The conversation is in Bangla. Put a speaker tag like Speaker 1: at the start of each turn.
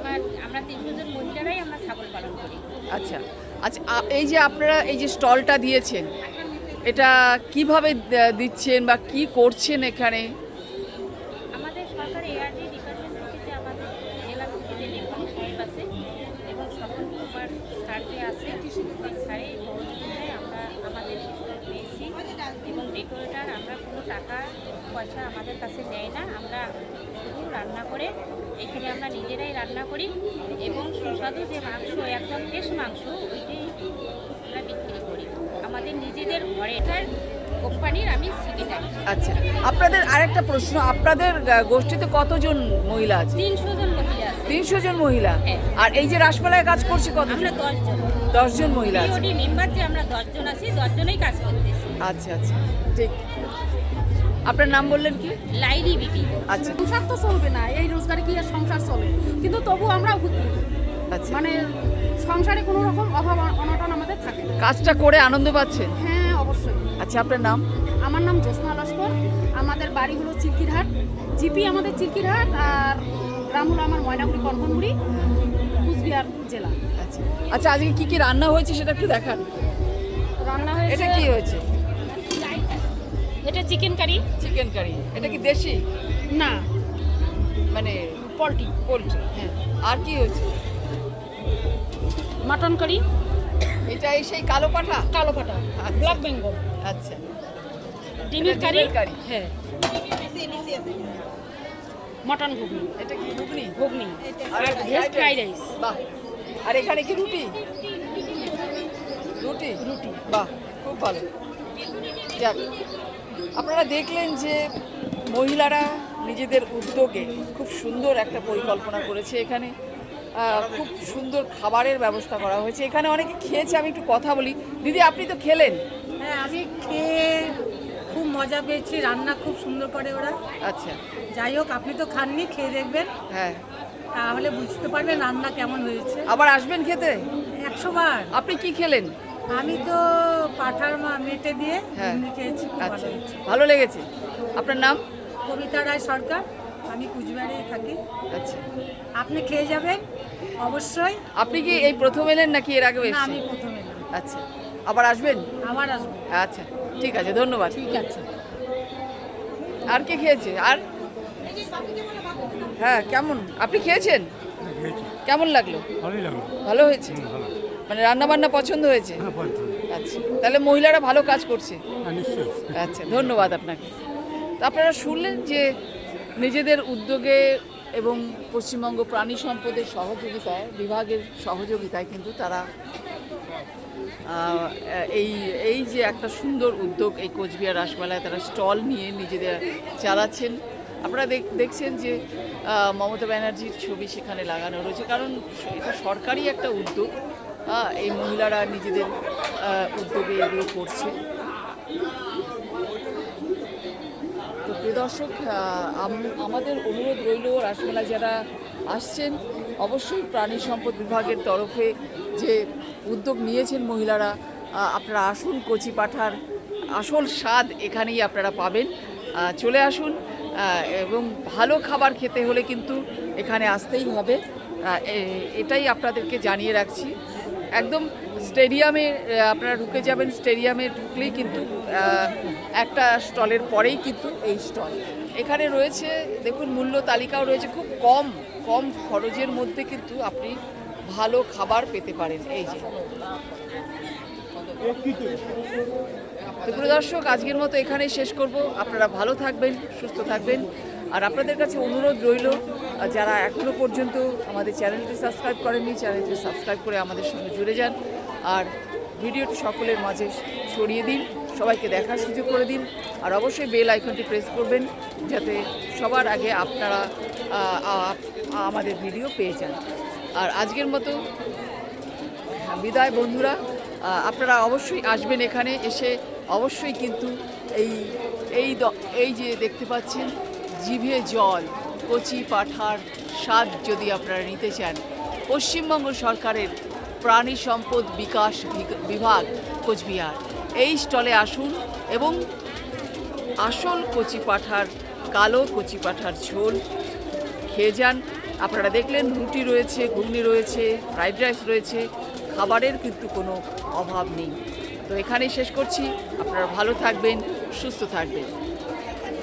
Speaker 1: আমরা 300 জন মহিলারাই আমরা ছাগল পালন করি।
Speaker 2: আচ্ছা আচ্ছা, এই যে আপনারা এই যে স্টলটা দিয়েছেন, এটা কিভাবে দিচ্ছেন বা কি করছেন এখানে?
Speaker 1: আমাদের সরকারি এআরডি ডিপার্টমেন্ট থেকে যে আমাদের জেলা থেকে যে লেখক সাহেব আছে এবং সকল প্রকার সার যে আছে সেই সারের সহযোগিতায় আমরা আমাদের স্টল পেয়েছি এবং ডেকোরেটার আমরা কোনো টাকা পয়সা আমাদের কাছে নেয় না। আমরা শুধু রান্না করে এখানে আমরা নিজেরাই রান্না করি এবং সুস্বাদু যে মাংস একদম ফ্রেশ মাংস ওইটাই আমরা বিক্রি করি আমাদের নিজেদের ঘরেটার কোম্পানির আমি সেক্রেটারি।
Speaker 2: আচ্ছা, আপনাদের আরেকটা প্রশ্ন, আপনাদের গোষ্ঠীতে কতজন মহিলা আছে?
Speaker 1: 300 জন মহিলা আছে।
Speaker 2: 300 জন মহিলা।
Speaker 1: হ্যাঁ।
Speaker 2: আর এই যে রাসমেলায় কাজ করছে কত?
Speaker 1: আমরা 10 জন।
Speaker 2: 10 জন মহিলা আছে।
Speaker 1: বিওডি মেম্বার যে আমরা 10 জন আছি, 10 জনেই কাজ করতেছি।
Speaker 2: আচ্ছা আচ্ছা, ঠিক। আপনার নাম বললেন কি?
Speaker 1: লাইলি বিবি।
Speaker 2: আচ্ছা
Speaker 3: সংসার তো চলবে না, এই রোজগারে কি আর সংসার চলে, কিন্তু তবু আমরা উপকৃত।
Speaker 2: আচ্ছা,
Speaker 3: মানে সংসারে কোনো রকম অভাব অনটন আমাদের থাকে না।
Speaker 2: কাজটা করে আনন্দ পাচ্ছেন?
Speaker 3: হ্যাঁ অবশ্যই।
Speaker 2: আচ্ছা, আপনার নাম?
Speaker 3: আমার নাম জ্যোৎস্না লস্কর, আমাদের বাড়ি হলো চিলকিরহাট, জিপি আমাদের চিলকিরহাট, আর গ্রাম হলো আমার ময়নাগুড়ি কনকনগুড়ি, কুচবিহার জেলা।
Speaker 2: আচ্ছা আচ্ছা, আজকে কি কি রান্না হয়েছে সেটা একটু দেখান।
Speaker 3: রান্না
Speaker 2: এটা
Speaker 3: হয়েছে,
Speaker 2: কি হয়েছে?
Speaker 3: এটা চিকেন কারি।
Speaker 2: Chicken curry. এটা কি দেশি
Speaker 3: না,
Speaker 2: মানে
Speaker 3: পোলট্রি।
Speaker 2: পোলট্রি? হ্যাঁ। আর কি হয়েছে?
Speaker 3: মাটন কারি,
Speaker 2: এটা এই সেই কালো পাঠা?
Speaker 3: কালো পাটা,
Speaker 2: আচ্ছা।
Speaker 3: ব্ল্যাক বেঙ্গল।
Speaker 2: আচ্ছা,
Speaker 3: ডিমের
Speaker 2: এটা
Speaker 3: কারি।
Speaker 2: ডিমের কারি।
Speaker 3: হ্যাঁ, মটন ঘুগনি।
Speaker 2: এটা কি ঘুগনি?
Speaker 3: ঘুগনি
Speaker 2: আর
Speaker 3: আর ভেজ ফ্রাইড রাইস।
Speaker 2: বাহ। আর এখানে কি রুটি? রুটি।
Speaker 3: রুটি।
Speaker 2: বাহ, খুব ভালো। যাক, আপনারা দেখলেন যে মহিলারা নিজেদের উদ্যোগে খুব সুন্দর একটা পরিকল্পনা করেছে। এখানে খুব সুন্দর খাবারের ব্যবস্থা করা হয়েছে। এখানে অনেকে খেয়েছে, আমি একটু কথা বলি। দিদি, আপনি তো খেলেন?
Speaker 4: হ্যাঁ, আমি খেয়ে খুব মজা পেয়েছি, রান্না খুব সুন্দর করে ওরা।
Speaker 2: আচ্ছা।
Speaker 4: যাই হোক, আপনি তো খাননি, খেয়ে দেখবেন,
Speaker 2: হ্যাঁ,
Speaker 4: তাহলে বুঝতে পারবেন রান্না কেমন হয়েছে।
Speaker 2: আবার আসবেন খেতে?
Speaker 4: 100 বার।
Speaker 2: আপনি কি খেলেন?
Speaker 4: আমি তো পাঠার মেটে দিয়ে
Speaker 2: হ্যাঁ।
Speaker 4: ঘুগনি খেয়েছি, খুব ভালো
Speaker 2: আচ্ছা,
Speaker 4: হয়েছে।
Speaker 2: ভালো লেগেছে। আপনার নাম?
Speaker 4: কবিতা রায় সরকার, আমি কুচবিহারেই থাকি।
Speaker 2: আচ্ছা,
Speaker 4: আপনি খেয়ে যাবেন অবশ্যই।
Speaker 2: আপনি কি এই প্রথম এলেন নাকি এর আগেও
Speaker 4: না,
Speaker 2: এসেছেন?
Speaker 4: আমি প্রথমে এলাম,
Speaker 2: আচ্ছা, আবার আসবেন?
Speaker 4: আবার আসবো।
Speaker 2: আচ্ছা, ঠিক আছে, ধন্যবাদ।
Speaker 4: ঠিক আছে।
Speaker 2: আর কে খেয়েছে? আর হ্যাঁ, কেমন আপনি খেয়েছেন? কেমন লাগলো?
Speaker 5: ভালোই লাগলো।
Speaker 2: ভালো হয়েছে?
Speaker 5: ভালো।
Speaker 2: মানে রান্না বান্না পছন্দ হয়েছে?
Speaker 5: হ্যাঁ, পছন্দ।
Speaker 2: আচ্ছা, তাহলে মহিলারা ভালো কাজ করছে।
Speaker 5: হ্যাঁ, নিশ্চয়ই।
Speaker 2: আচ্ছা, ধন্যবাদ আপনাকে। তো আপনারা শুনলেন যে নিজেদের উদ্যোগে এবং পশ্চিমবঙ্গ প্রাণী সম্পদের সহযোগিতায়, বিভাগের সহযোগিতায় কিন্তু তারা এই যে একটা সুন্দর উদ্যোগ, এই কোচবিহার রাসমেলায় তারা স্টল নিয়ে নিজেদের চালাচ্ছেন। আপনারা দেখছেন যে মমতা ব্যানার্জির ছবি সেখানে লাগানো রয়েছে, কারণ এটা সরকারি একটা উদ্যোগ। এই মহিলারা নিজেদের উদ্যোগে এগুলো করছে। তো প্রিয় দর্শক, আমাদের অনুরোধ রইল, রাসমেলা যারা আসছেন অবশ্যই প্রাণী সম্পদ বিভাগের তরফে যে উদ্যোগ নিয়েছেন মহিলারা, আপনারা আসুন। কচি পাঁঠার আসল স্বাদ এখানেই আপনারা পাবেন। চলে আসুন, এবং ভালো খাবার খেতে হলে কিন্তু এখানে আসতেই হবে। এটাই আপনাদেরকে জানিয়ে রাখছি। একদম স্টেডিয়ামে আপনারা ঢুকে যাবেন, স্টেডিয়ামে ঢুকলেই কিন্তু একটা স্টলের পরেই কিন্তু এই স্টল এখানে রয়েছে। দেখুন, মূল্য তালিকাও রয়েছে, খুব কম খরচের মধ্যে কিন্তু আপনি ভালো খাবার পেতে পারেন। এই যে, তো প্রিয় দর্শক, আজকের মতো এখানেই শেষ করব। আপনারা ভালো থাকবেন, সুস্থ থাকবেন। আর আপনাদের কাছে অনুরোধ রইল, যারা এখনও পর্যন্ত আমাদের চ্যানেলটি সাবস্ক্রাইব করেননি, চ্যানেলটি সাবস্ক্রাইব করে আমাদের সঙ্গে জুড়ে যান। আর ভিডিওটি সকলের মাঝে ছড়িয়ে দিন, সবাইকে দেখার সুযোগ করে দিন। আর অবশ্যই বেল আইকনটি প্রেস করবেন, যাতে সবার আগে আপনারা আমাদের ভিডিও পেয়ে যান। আর আজকের মতো বিদায় বন্ধুরা। আপনারা অবশ্যই আসবেন, এখানে এসে অবশ্যই কিন্তু এই যে দেখতে পাচ্ছেন, জিভে জল, কচি পাঁঠার স্বাদ যদি আপনারা নিতে চান, পশ্চিমবঙ্গ সরকারের প্রাণী সম্পদ বিকাশ বিভাগ কোচবিহার, এই স্টলে আসুন এবং আসল কচি পাঁঠার, কালো কচি পাঁঠার ঝোল খেয়ে যান। আপনারা দেখলেন রুটি রয়েছে, ঘুগনি রয়েছে, ফ্রাইড রাইস রয়েছে, খাবারের কিন্তু কোনো অভাব নেই। তো এখানেই শেষ করছি। আপনারা ভালো থাকবেন, সুস্থ থাকবেন।